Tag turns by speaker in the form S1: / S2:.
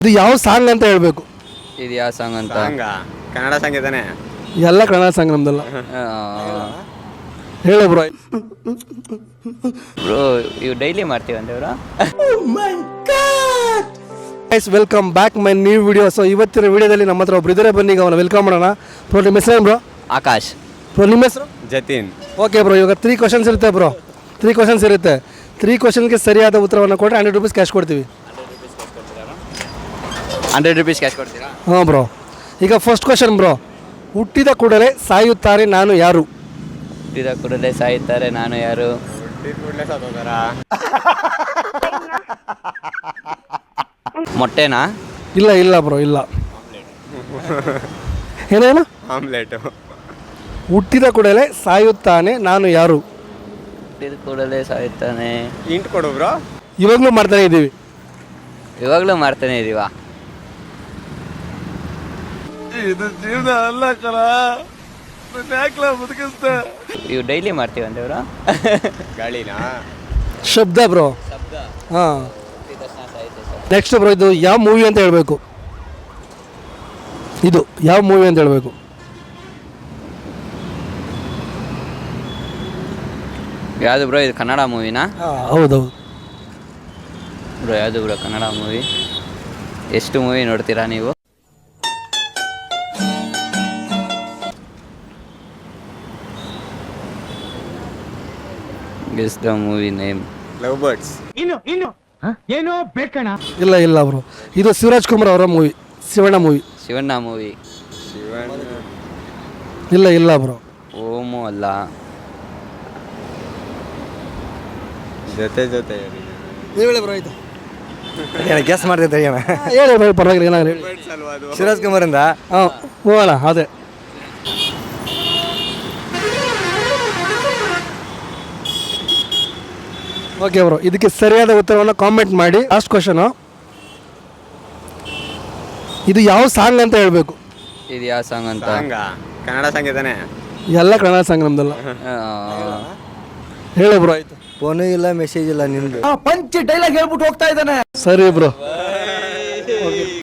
S1: ಇದು ಯಾವ ಸಾಂಗ್ ಅಂತ ಹೇಳ್ಬೇಕು.
S2: ಇದು ಯಾವ ಸಾಂಗ್ ಅಂತ?
S3: ಕನ್ನಡ ಸಂಗೀತನೇ.
S1: ಎಲ್ಲ ಕನ್ನಡ ಸಾಂಗ್ ನಮ್ದಲ್ಲ. ಹೇಳಿ ಬ್ರೋ.
S2: ಬ್ರೋ ಇವು ಡೈಲಿ ಮಾಡ್ತೀವಂತೆ bro.
S1: Guys welcome back my new video. So ಇವತ್ತಿನ ವಿಡಿಯೋದಲ್ಲಿ ನಮ್ಮ ಹತ್ರ ಒಬ್ರು ಇದ್ದಾರೆ, ಬನ್ನಿ ಈಗ ಅವನ ವೆಲ್ಕಮ್ ಮಾಡೋಣ. ಬ್ರೋ ನಿಮ್ಮ ಹೆಸರು ಬ್ರೋ?
S2: ಆಕಾಶ್.
S1: ಬ್ರೋ ನಿಮ್ಮ ಹೆಸರು?
S3: ಜತಿನ್.
S1: ಓಕೆ ಬ್ರೋ, ಇವಾಗ 3 ಕ್ವಶನ್ಸ್ ಇರುತ್ತೆ ಬ್ರೋ. 3 ಕ್ವಶನ್ಸ್ ಇರುತ್ತೆ. 3 ಕ್ವಶನ್ಗೆ ಸರಿಯಾದ ಉತ್ತರವನ್ನು ಕೊಟ್ಟರೆ 100 ರೂಪೀಸ್ ಕ್ಯಾಶ್ ಕೊಡ್ತೀವಿ.
S2: 100 ರೂಪೀಸ್ ಕ್ಯಾಶ್ ಕೊಡ್ತೀರಾ?
S1: ಹಾಂ ಬ್ರೋ. ಈಗ ಫಸ್ಟ್ ಕ್ವಶನ್ ಬ್ರೋ, ಹುಟ್ಟಿದ ಕೂಡಲೇ ಸಾಯುತ್ತಾರೆ ನಾನು ಯಾರು?
S2: ಹುಟ್ಟಿದ ಕೂಡಲೇ ಸಾಯುತ್ತಾರೆ ನಾನು ಯಾರು? ಮೊಟ್ಟೆನಾ?
S1: ಇಲ್ಲ ಇಲ್ಲ ಬ್ರೋ, ಇಲ್ಲ. ಏನೇನು?
S3: ಆಮ್ಲೆಟ್.
S1: ಹುಟ್ಟಿದ ಕೂಡಲೇ ಸಾಯುತ್ತಾನೆ ನಾನು ಯಾರು?
S2: ಹುಟ್ಟಿದ ಕೂಡಲೇ ಸಾಯುತ್ತಾನೆ.
S3: ಇಂಟ್ ಕೊಡು ಬ್ರೋ.
S1: ಇವಾಗಲೂ ಮಾಡ್ತಾನೆ ಇದ್ದೀವಿ.
S2: ಇವಾಗಲೂ ಮಾಡ್ತಾನೆ ಇದೀವಾ?
S1: ಇದು ಜೀವನ ಅಲ್ಲ ಕಣ, ಬದುಕಿಸ್ತೆ.
S2: ಇವು ಡೈಲಿ ಮಾಡ್ತೀವಂತೆ ಬ್ರೋ.
S3: ಗಾಳಿನಾ?
S1: ಶಬ್ದ ಬ್ರೋ. ಹಾಂ. ನೆಕ್ಸ್ಟ್ ಬ್ರೋ, ಇದು ಯಾವ ಮೂವಿ ಅಂತ ಹೇಳಬೇಕು. ಇದು ಯಾವ ಮೂವಿ ಅಂತ ಹೇಳಬೇಕು.
S2: ಯಾವುದು ಬ್ರೋ? ಇದು ಕನ್ನಡ ಮೂವಿನಾ?
S1: ಹೌದೌದು
S2: ಬ್ರೋ. ಯಾವುದು ಬ್ರೋ ಕನ್ನಡ ಮೂವಿ? ಎಷ್ಟು ಮೂವಿ ನೋಡ್ತೀರಾ ನೀವು? Guess the movie name.
S3: Love birds.
S4: ಏನೋ ಬೇಕಣ?
S1: ಇಲ್ಲ ಇಲ್ಲ ಬ್ರೋ, ಇದು ಶಿವರಾಜ್ ಕುಮಾರ್ ಅವರ movie, Shivanna movie.
S2: Shivanna movie.
S3: Shivan.
S1: ಇಲ್ಲ ಇಲ್ಲ ಬ್ರೋ.
S2: ಓಮು ಅಲ್ಲ.
S3: ಜೊತೆ ಜೊತೆ
S1: ಹೇಳಿ ಬ್ರೋ. ಇದು
S3: ಗೆಸ್ ಮಾಡ್ತಿದ್ದೆ
S1: ಹೇಳಿ ಬ್ರೋ, ಪರವಾಗಿಲ್ಲ, ಏನಾದ್ರು ಹೇಳಿ.
S3: ಶಿವರಾಜ್ ಕುಮಾರ್ ಇಂದ.
S1: ಹಾಂ ಹೋಗೋಣ. ಅದೇ ಓಕೆ ಬ್ರೋ, ಇದಕ್ಕೆ ಸರಿಯಾದ ಉತ್ತರವನ್ನು ಕಾಮೆಂಟ್ ಮಾಡಿ. ಲಾಸ್ಟ್ ಕ್ವಶನು, ಇದು ಯಾವ ಸಾಂಗ್ ಅಂತ ಹೇಳಬೇಕು.
S2: ಇದು ಯಾವ ಸಾಂಗ್ ಅಂತ?
S3: ಕನ್ನಡ ಸಂಗೀತನೇ.
S1: ಎಲ್ಲ ಕನ್ನಡ ಸಾಂಗ್ ನಮ್ದಲ್ಲ. ಹೇಳಿ ಬ್ರೋ. ಆಯ್ತು.
S3: ಫೋನು ಇಲ್ಲ, ಮೆಸೇಜ್ ಇಲ್ಲ ನಿಮ್ದು.
S4: ಪಂಚ್ ಡೈಲಾಗ್ ಹೇಳ್ಬಿಟ್ಟು ಹೋಗ್ತಾ ಇದ್ದಾನೆ.
S1: ಸರಿ ಬ್ರೋ.